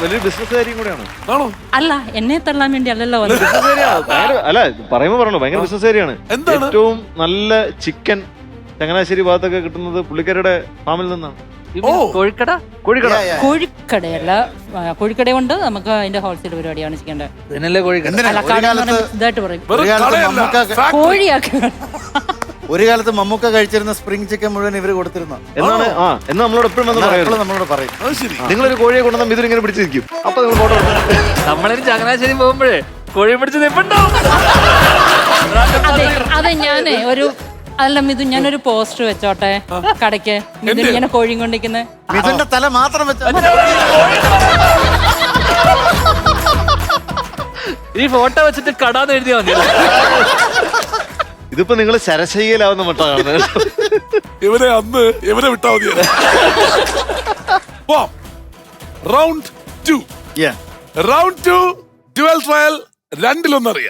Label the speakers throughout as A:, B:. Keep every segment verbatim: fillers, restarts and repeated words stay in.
A: വലിയ ബിസിനസ്സുകാരിയും കൂടെയാണ്.
B: ആണോ?
C: അല്ല, എന്നെ തള്ളാൻ വേണ്ടി അല്ലല്ലോ.
A: അല്ല പറയുമ്പോ പറഞ്ഞല്ലോ ഭയങ്കര ബിസിനസ്സുകാരിയാണ്. ഏറ്റവും നല്ല ചിക്കൻ ചങ്ങനാശ്ശേരി ഭാഗത്തൊക്കെ കിട്ടുന്നത് പുള്ളിക്കാരുടെ ഫാമിൽ നിന്നാണ്.
C: കോഴിക്കട
A: കോഴിക്കട
C: കോഴിക്കടയല്ല, കോഴിക്കട കൊണ്ട് നമുക്ക് അതിന്റെ ഹോൾസെയിൽ പരിപാടിയാണ് ചെയ്യേണ്ടത്. ഇതായിട്ട് പറയും കോഴിയാക്ക.
D: ഒരു കാലത്ത് മമ്മൂക്ക കഴിച്ചിരുന്ന സ്പ്രിംഗ് ചിക്കൻ മുഴുവൻ ഇവര് കൊടുത്തിരുന്നു
A: എന്നാണ്. ആ എന്ന് നമ്മളോട് എപ്പോഴും
D: നമ്മളോട് പറയും,
A: നിങ്ങളൊരു കോഴിയെ കൊണ്ടുവന്നാൽ ഇതിങ്ങനെ പിടിച്ചു നിൽക്കും. അപ്പൊ നിങ്ങൾ ഫോട്ടോ
E: നമ്മളൊരു ചങ്ങനാശ്ശേരി പോകുമ്പോഴേ കോഴിയെ പിടിച്ച് നിൽപ്പുണ്ടാവും.
C: അതെ അതെ ഞാനേ ഒരു അല്ല മിഥു, ഞാനൊരു പോസ്റ്റർ വെച്ചോട്ടെ കടയ്ക്ക്. മിഥുൻ ഇങ്ങനെ കോഴിയും കൊണ്ടിരിക്കുന്നത്.
D: മിഥുന്റെ തല മാത്രം വെച്ച
E: ഈ ഫോട്ടോ വെച്ചിട്ട് കടാന്ന് എഴുതിയാ മതി.
A: ഇതിപ്പോ നിങ്ങൾ ശരശയ്യയിലാവുന്ന മട്ടാ കാണുന്നത്.
B: ഇവരെ അന്ന് ഇവരെ വിട്ടാ മതി. Round two round two dual trial. രണ്ടിലൊന്നറിയാം.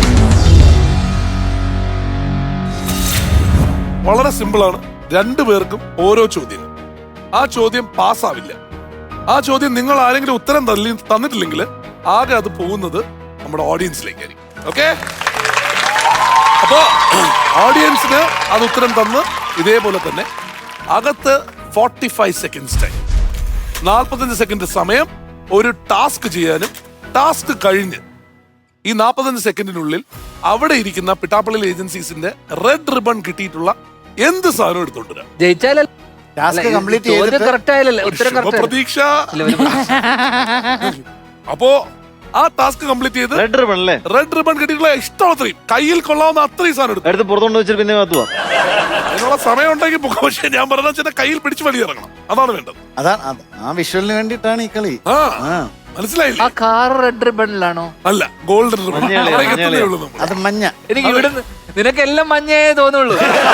B: വളരെ സിമ്പിൾ ആണ്. രണ്ടു പേർക്കും ഓരോ ചോദ്യങ്ങൾ. ആ ചോദ്യം പാസ്സാവില്ല. ആ ചോദ്യം നിങ്ങൾ ആരെങ്കിലും ഉത്തരം തള്ളി തന്നിട്ടില്ലെങ്കിൽ ആകെ അത് പോകുന്നത് നമ്മുടെ ഓഡിയൻസിലേക്കായിരിക്കും. ഓക്കെ? അപ്പോ ഓഡിയൻസിന് അത് ഉത്തരം തന്ന് ഇതേപോലെ തന്നെ അകത്ത് ഫോർട്ടി ഫൈവ് സെക്കൻഡ്സ് ടൈം, നാൽപ്പത്തഞ്ച് സെക്കൻഡ് സമയം ഒരു ടാസ്ക് ചെയ്യാനും ടാസ്ക് കഴിഞ്ഞ് ഈ നാൽപ്പത്തഞ്ച് സെക്കൻഡിനുള്ളിൽ അവിടെ ഇരിക്കുന്ന പിട്ടാപ്പള്ളി ഏജൻസീസിന്റെ റെഡ് റിബൺ കിട്ടിയിട്ടുള്ള എന്ത് സാധനം എടുത്തോണ്ടിരാ.
E: ജയിച്ചാലേ
B: പ്രതീക്ഷ. അപ്പോ ആ ടാസ്ക് കംപ്ലീറ്റ് ചെയ്ത്
A: റെഡ് റിബൺ അല്ലേ?
B: റെഡ് റിബൺ കിട്ടിയിട്ടുള്ള ഇഷ്ടമത്രയും കയ്യിൽ കൊള്ളാവുന്ന അത്രയും സാധനം
A: എടുത്ത് പുറത്തോണ്ട് വെച്ചിട്ട് പിന്നെ
B: അതിനുള്ള സമയം ഉണ്ടെങ്കിൽ പോകാം. പക്ഷെ ഞാൻ പറഞ്ഞ വെച്ചാൽ കയ്യിൽ പിടിച്ച് വലിയ ഇറങ്ങണം. അതാണ് വേണ്ടത്.
D: അതാണ് ആ വിഷ്വലിന് വേണ്ടിയിട്ടാണ് ഈ കളി.
B: മനസ്സിലായില്ലേ?
E: ആ കാർ റെഡ് റിബണിലാണോ?
B: അല്ല, ഗോൾഡൻ റിബൺ.
D: അത് മഞ്ഞ.
E: എനിക്ക് ഇവിടെ നിനക്ക് എല്ലാം മഞ്ഞേ തോന്നുള്ളൂ.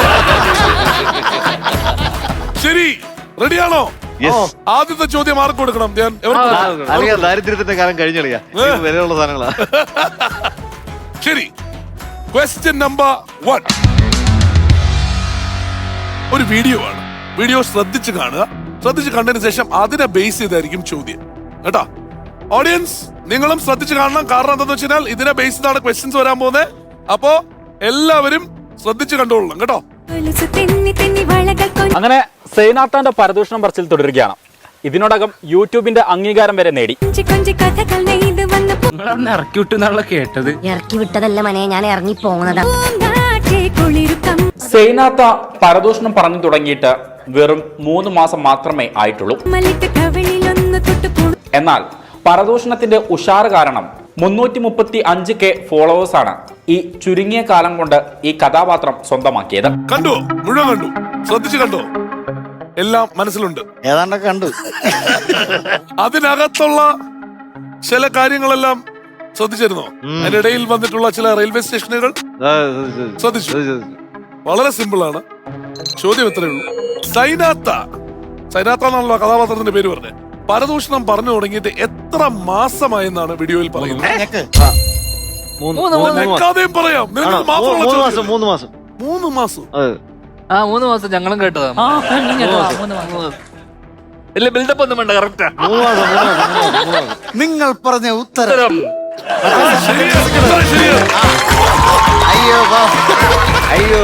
B: ശരി, റെഡിയാണോ? ആദ്യത്തെ ചോദ്യം ആർക്ക് കൊടുക്കണം? ഞാൻ
A: ദാരിദ്ര്യത്തിന്റെ കാലം കഴിഞ്ഞളിയാ, വിലയുള്ള സാധനങ്ങളാ.
B: ശരി, ക്വസ്റ്റ്യൻ നമ്പർ വൺ. ഒരു വീഡിയോ ആണ്. വീഡിയോ ശ്രദ്ധിച്ച് കാണുക. ശ്രദ്ധിച്ച് കണ്ടതിന് ശേഷം അതിനെ ബേസ് ചെയ്തായിരിക്കും ചോദ്യം കേട്ടോ. ഓഡിയൻസ് നിങ്ങളും ശ്രദ്ധിച്ച് കാണണം. കാരണം എന്താണെന്ന് വെച്ചാൽ ഇതിനെ ബേസ് ചെയ്താണ് ക്വസ്റ്റ്യൻസ് വരാൻ പോകുന്നത്. അപ്പോ എല്ലാവരും ശ്രദ്ധിച്ച് കണ്ടോളണം കേട്ടോ.
F: അങ്ങനെ സൈനാത്താന്റെ പരദൂഷണം പറച്ചിൽ തുടരുകയാണ്. ഇതിനോടകം യൂട്യൂബിന്റെ അംഗീകാരം വരെ നേടി.
E: ഇറക്കി വിട്ടെന്നുള്ള കേട്ടത്.
G: ഇറക്കി വിട്ടതല്ല മനെ, ഞാൻ ഇറങ്ങി പോകുന്നതാ.
F: സൈനാത്ത പരദൂഷണം പറഞ്ഞു തുടങ്ങിയിട്ട് വെറും മൂന്ന് മാസം മാത്രമേ ആയിട്ടുള്ളൂ. എന്നാൽ പരദൂഷണത്തിന്റെ ഉഷാറ് കാരണം മുന്നൂറ്റി മുപ്പത്തി അഞ്ച് കെ ഫോളോവേഴ്സ് ആണ് ഈ ചുരുങ്ങിയ കാലം കൊണ്ട് ഈ കഥാപാത്രം സ്വന്തമാക്കിയത്.
B: കണ്ടു, മുഴുവൻ കണ്ടു, ശ്രദ്ധിച്ചു കണ്ടോ? എല്ലാം മനസ്സിലുണ്ട്,
D: ഏതാണ്ടൊക്കെ കണ്ടു.
B: അതിനകത്തുള്ള ചില കാര്യങ്ങളെല്ലാം ശ്രദ്ധിച്ചിരുന്നോ? അതിനിടയിൽ വന്നിട്ടുള്ള ചില റെയിൽവേ സ്റ്റേഷനുകൾ ശ്രദ്ധിച്ചു. വളരെ സിമ്പിൾ ആണ്. ചോദ്യം ഇത്രയേ ഉള്ളൂ. സൈനാത്ത സൈനാത്ത എന്നാണല്ലോ കഥാപാത്രത്തിന്റെ പേര് പറഞ്ഞത്. പരദൂഷണം പറഞ്ഞു തുടങ്ങിയിട്ട് എത്ര മാസമായെന്നാണ് വീഡിയോയിൽ പറയുന്നത്? പറയാം.
A: മൂന്ന് മാസം.
B: മൂന്ന് മാസം.
E: ആ മൂന്ന് മാസം ഞങ്ങളും കേട്ടതാണ്. ഇല്ല, ബിൽഡപ്പ് ഒന്നും വേണ്ട. കറക്റ്റാ.
D: നിങ്ങൾ പറഞ്ഞ ഉത്തരം
A: അയ്യോ അയ്യോ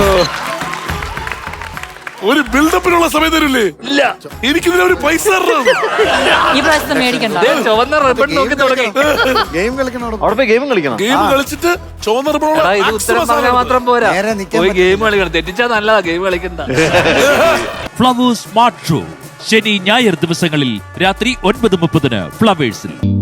B: ഒരു ബിൽഡപ്പിനുള്ള സമയം തരില്ലേ?
E: ഇല്ല,
B: എനിക്കിതിന് ഒരു പൈസ
C: ഈ പ്രാവശ്യത്തെ മേടിക്കണ്ട.
E: ചുവന്ന റിബൺ നോക്കി തുടങ്ങി
D: ഗെയിം കളിക്കണം.
A: അവിടെ പോയി ഗെയിം കളിക്കണം.
B: ഗെയിം കളിച്ചിട്ട് ചുവന്ന റിബൺ.
E: ഇത് ഉത്തരം പറഞ്ഞാൽ മാത്രം പോരാ, പോയി ഗെയിം കളിക്കണം. തെറ്റിച്ചാ നല്ലതാ ഗെയിം കളിക്കണ്ട.
H: ഫ്ലവേഴ്സ് സ്മാർട്ട് ഷോ ശനി ഞായർ ദിവസങ്ങളിൽ രാത്രി ഒൻപത് മുപ്പതിന് ഫ്ലവേഴ്സിൽ.